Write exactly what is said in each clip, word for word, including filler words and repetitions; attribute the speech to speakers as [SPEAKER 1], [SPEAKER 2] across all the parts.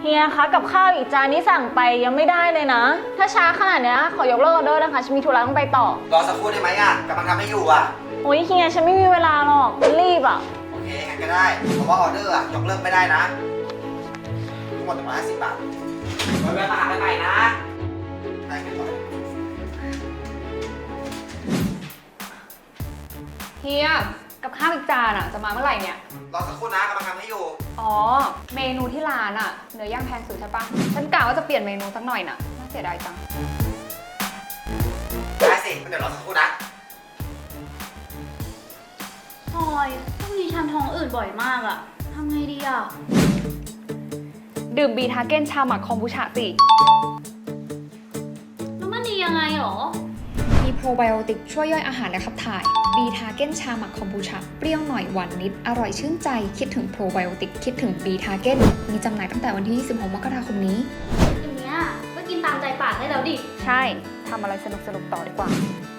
[SPEAKER 1] ฮียคะกับข้าวอีกจานนี้สั่งไปยังไม่ได้เลยนะถ้าช้าขนาดนี้ขอยกเลิกออเดอร์นะคะฉันมีธุระต้องไปต่อ
[SPEAKER 2] รอสักครู่ได้ไหมอ่ะกำลังทำให้อยู่อ่ะ
[SPEAKER 1] โอ้ยเฮียฉันไม่มีเวลาหรอกรีบอ่ะ
[SPEAKER 2] โอเคงั้นก็ได้เพราะว่าออเดอร์อ่ะยกเลิกไม่ได้นะทั้งหมดหนึ่งร้อยห้าสิบบาทไว้เวลาหากันใหม่นะได้กันต่อ
[SPEAKER 3] เฮียกับข้าวอีกจานอ่ะจะมาเมื่อไหร่เนี่ย
[SPEAKER 2] รอสักครู่นะกำลังทำให้อยู่
[SPEAKER 3] อ๋อเมนูที่ร้านอ่ะเนื้อย่างแพงสุดใช่ปะฉันกะว่าจะเปลี่ยนเมนูสักหน่อยน่ะน่าเสียดายจัง
[SPEAKER 2] ได้สิเดี๋ยวรอสักครู่นะ
[SPEAKER 4] พลอยช่วงนี้ฉันท้องอืดบ่อยมากอะทำไงดีอะ
[SPEAKER 3] ดื่มบีทาเก้นชาหมักคอมบูชาสิ
[SPEAKER 4] แล้วมันดียังไงหรอ
[SPEAKER 3] มีโปรไบโอติกช่วยย่อยอาหารและขับถ่ายบีทาเก้นชาหมักคอมบูชาเปรี้ยวหน่อยหวานนิดอร่อยชื่นใจคิดถึงโปรไบโอติกคิดถึงบีทาเก้นมีจำหน่ายตั้งแต่วันที่ยี่สิบหกมกราคมนี้
[SPEAKER 4] อย่างเงี้ยก็กินตามใจปากได้แล้วดิ
[SPEAKER 3] ใช่ทำอะไรสนุกสนุกต่อดีกว่า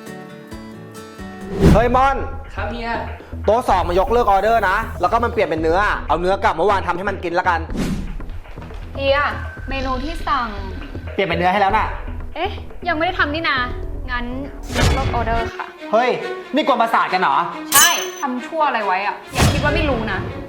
[SPEAKER 2] เฮ้ยมอน
[SPEAKER 5] ครับเฮีย
[SPEAKER 2] โต๊ะสองมายกเลิกออเดอร์นะแล้วก็มันเปลี่ยนเป็นเนื้อเอาเนื้อกลับเมื่อวานทำให้มันกินละกัน
[SPEAKER 3] เฮียเมนูที่สั่ง
[SPEAKER 2] เปลี่ยนเป็นเนื้อให้แล้วน่ะ
[SPEAKER 3] เอ๊ะยังไม่ได้ทำนี่นางั้นลดออเดอร์ค่ะ
[SPEAKER 2] เฮ้ยนี่กวนประสาทกันเหรอ
[SPEAKER 3] ใช่ทำชั่วอะไรไว้อะอย่าคิดว่าไม่รู้นะ